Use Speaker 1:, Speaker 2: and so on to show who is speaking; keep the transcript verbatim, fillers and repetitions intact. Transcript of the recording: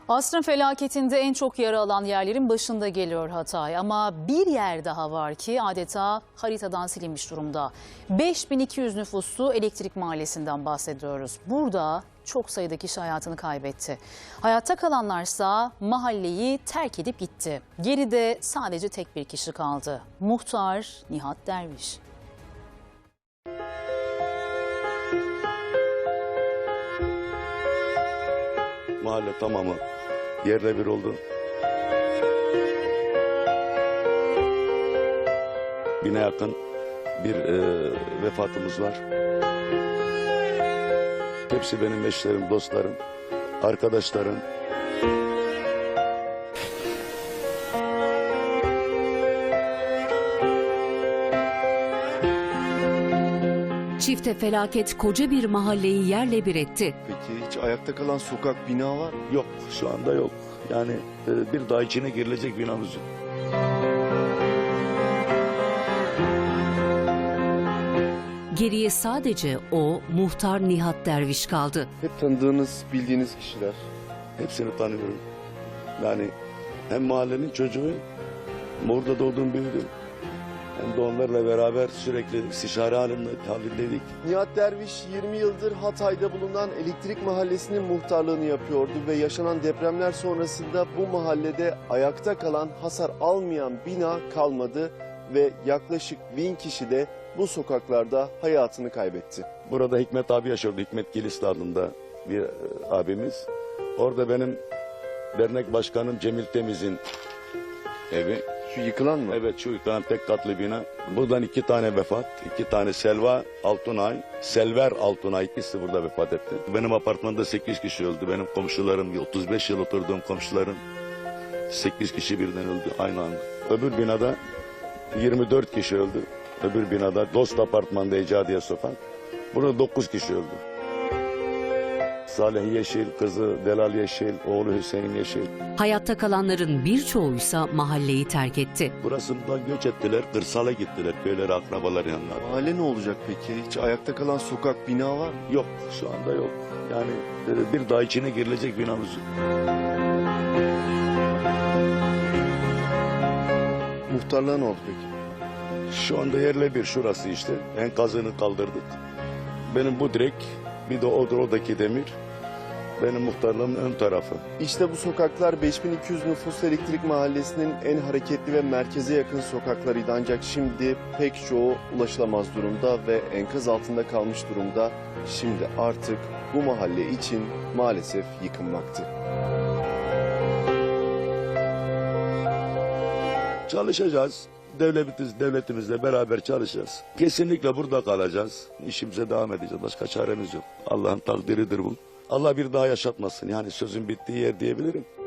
Speaker 1: Asrın felaketinde en çok yara alan yerlerin başında geliyor Hatay. Ama bir yer daha var ki adeta haritadan silinmiş durumda. beş bin iki yüz nüfuslu Elektrik Mahallesi'nden bahsediyoruz. Burada çok sayıda kişi hayatını kaybetti. Hayatta kalanlarsa mahalleyi terk edip gitti. Geride sadece tek bir kişi kaldı. Muhtar Nihat Derviş.
Speaker 2: Mahalle tamamı yerle bir oldu. Bine yakın bir e, vefatımız var. Hepsi benim eşlerim, dostlarım, arkadaşlarım.
Speaker 3: Çifte felaket koca bir mahalleyi yerle bir etti.
Speaker 4: Peki hiç ayakta kalan sokak, bina var mı?
Speaker 2: Yok, şu anda yok. Yani e, bir daha içine girilecek binamız yok.
Speaker 3: Geriye sadece o muhtar Nihat Derviş kaldı.
Speaker 4: Hep tanıdığınız, bildiğiniz kişiler.
Speaker 2: Hepsini tanıyorum. Yani hem mahallenin çocuğu, orada doğdum büyüdüm. Hem de onlarla beraber sürekli istişare halinde, halindeydik.
Speaker 4: Nihat Derviş yirmi yıldır Hatay'da bulunan Elektrik Mahallesi'nin muhtarlığını yapıyordu ve yaşanan depremler sonrasında bu mahallede ayakta kalan, hasar almayan bina kalmadı ve yaklaşık bin kişi de bu sokaklarda hayatını kaybetti.
Speaker 2: Burada Hikmet abi yaşıyordu. Hikmet Gilisli adında bir e, abimiz. Orada benim dernek başkanım Cemil Temiz'in evi.
Speaker 4: Şu yıkılan mı?
Speaker 2: Evet, şu yıkılan tek katlı bina. Buradan iki tane vefat. iki tane Selva Altunay, Selver Altunay ikisi burada vefat etti. Benim apartmanda sekiz kişi öldü. Benim komşularım, otuz beş yıl oturduğum komşularım sekiz kişi birden öldü aynı anda. Öbür binada yirmi dört kişi öldü. Öbür binada Dost Apartman'da Ecadiye Sokak. Burada dokuz kişi öldü. Salih Yeşil, kızı Delal Yeşil, oğlu Hüseyin Yeşil.
Speaker 3: Hayatta kalanların birçoğuysa mahalleyi terk etti.
Speaker 2: Burasından göç ettiler, kırsala gittiler, köylere, akrabalar yanlarına.
Speaker 4: Mahalle ne olacak peki? Hiç ayakta kalan sokak, bina var mı?
Speaker 2: Yok, şu anda yok. Yani e, bir daha içine girilecek binamız yok.
Speaker 4: Muhtarlığa ne oldu peki?
Speaker 2: Şu anda yerle bir şurası işte. Enkazını kaldırdık. Benim bu direk, bir de o, oradaki demir. Benim muhtarlığımın ön tarafı.
Speaker 4: İşte bu sokaklar beş bin iki yüz nüfuslu Elektrik Mahallesi'nin en hareketli ve merkeze yakın sokaklarıydı. Ancak şimdi pek çoğu ulaşılamaz durumda ve enkaz altında kalmış durumda. Şimdi artık bu mahalle için maalesef yıkılmaktı.
Speaker 2: Çalışacağız. Devletimiz, devletimizle beraber çalışacağız. Kesinlikle burada kalacağız. İşimize devam edeceğiz. Başka çaremiz yok. Allah'ın takdiridir bu. Allah bir daha yaşatmasın. Yani sözün bittiği yer diyebilirim.